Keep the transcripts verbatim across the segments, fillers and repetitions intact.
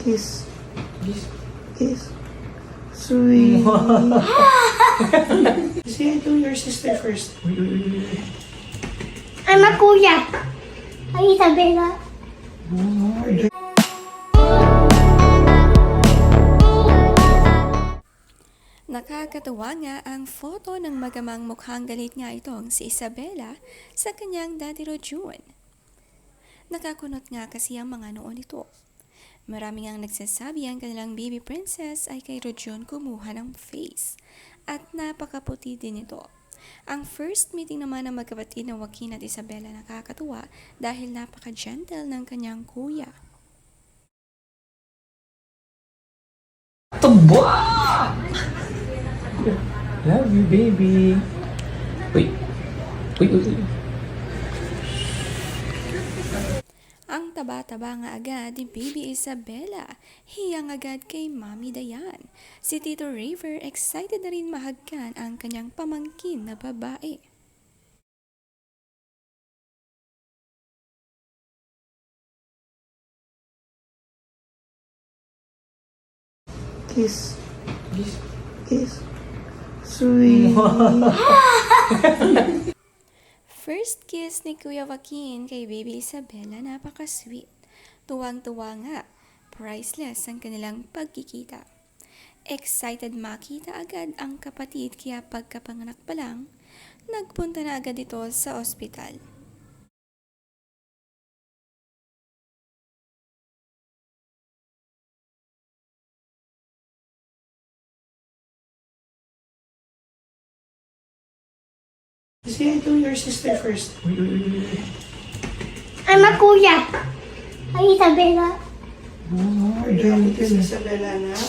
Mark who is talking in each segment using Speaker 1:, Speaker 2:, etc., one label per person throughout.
Speaker 1: Kiss.
Speaker 2: Kiss.
Speaker 1: Kiss. Sweet. Say hi to your sister first.
Speaker 2: Uy, uy, uy, uy.
Speaker 3: I'm a kuya. Hi, Isabella.
Speaker 1: Oh,
Speaker 4: Nakakatuwa nga ang photo ng magamang mukhang galit nga itong si Isabella sa kanyang Daddy Rojun. Nakakunot nga kasi ang mga noon ito. Marami ngang nagsasabi ang kanilang baby princess ay kay Rojun kumuha ng face at napakaputi din ito. Ang first meeting naman ng magkapatid na Joaquin at Isabella nakakatuwa dahil napaka-gentle ng kanyang kuya.
Speaker 2: Tuba! Love you, baby. Uy. Uy, uy, uy.
Speaker 4: Ang taba-taba nga agad ni Baby Isabella, hiyang agad kay Mami Dayan. Si Tito River excited na rin mahagkan ang kanyang pamangkin na babae.
Speaker 1: kiss.
Speaker 2: Kiss.
Speaker 1: Kiss. Sweet.
Speaker 4: First kiss ni Kuya Joaquin kay Baby Isabella, napaka-sweet. Tuwang-tuwa nga, priceless ang kanilang pagkikita. Excited makita agad ang kapatid kaya pagkapanganak pa lang, nagpunta na agad ito sa ospital.
Speaker 1: Say hi to your sister first.
Speaker 2: Uy, uy, uy, uy, uy.
Speaker 3: I'm a kuya. Hi, Isabella.
Speaker 1: Oh, gentle. Isabella na.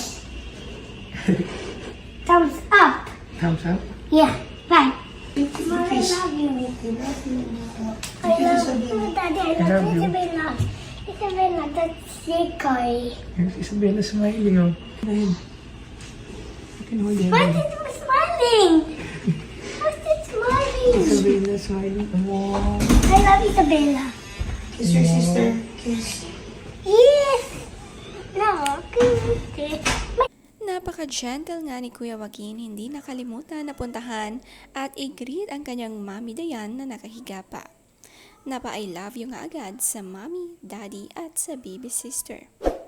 Speaker 3: Thumbs up.
Speaker 2: Thumbs up.
Speaker 3: Yeah, fine. Mom, I
Speaker 1: Kiss.
Speaker 3: love you. I
Speaker 1: Kiss
Speaker 3: love you,
Speaker 1: Isabella.
Speaker 3: Daddy. I
Speaker 2: I
Speaker 3: love
Speaker 2: love you.
Speaker 3: Isabella. Isabella, that's Sekoy.
Speaker 2: Here's Isabella smiling, oh. Dahil. You can hold your
Speaker 3: Why
Speaker 2: hand.
Speaker 3: is it smiling? What's it smiling?
Speaker 2: Isabella smiling. Wow.
Speaker 3: I love Isabella.
Speaker 1: Kiss your sister. Kiss.
Speaker 3: Yes. No, good.
Speaker 4: Napaka-gentle nga ni Kuya Joaquin, hindi nakalimutan na puntahan at i-greet ang kanyang Mami Dayan na nakahiga pa. Napa-I love you nga agad sa Mommy, Daddy at sa baby sister.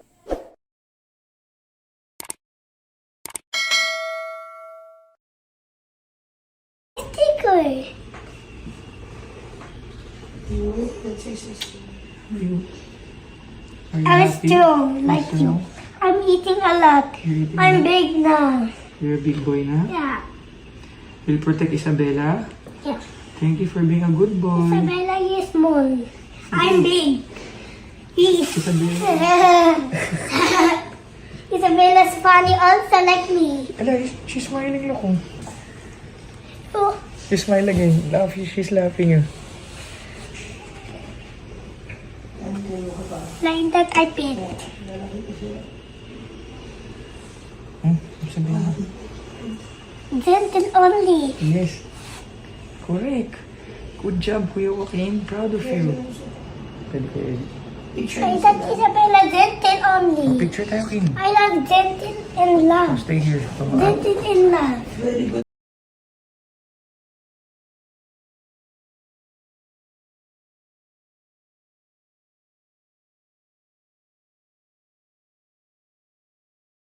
Speaker 3: Sekoy.
Speaker 1: You. That's your sister.
Speaker 2: Are you? Are you
Speaker 3: I'm
Speaker 2: happy?
Speaker 3: strong like
Speaker 2: Yes,
Speaker 3: you.
Speaker 2: no?
Speaker 3: I'm eating a lot.
Speaker 2: You're eating
Speaker 3: I'm
Speaker 2: a lot?
Speaker 3: big now.
Speaker 2: You're a big boy na?
Speaker 3: Yeah.
Speaker 2: Will protect Isabella?
Speaker 3: Yeah.
Speaker 2: Thank you for being a good boy.
Speaker 3: Isabella is small. I'm big. He-
Speaker 2: Isabella.
Speaker 3: Isabella's funny also like me.
Speaker 2: Ala, she's smiling, look, oh.
Speaker 3: Oh,
Speaker 2: You smile again. Laugh, she's laughing, oh.
Speaker 3: like that I pet.
Speaker 2: Hmm? Isabella.
Speaker 3: Gentle only.
Speaker 2: Yes. Correct. Good job, Kuya Joaquin. Proud of you. Pwede ko edit.
Speaker 1: Picture.
Speaker 3: Like that Isabella gentle only.
Speaker 2: Picture tayo, King.
Speaker 3: I love gentle and love.
Speaker 2: Stay here.
Speaker 3: Gentle and love.
Speaker 1: Very good.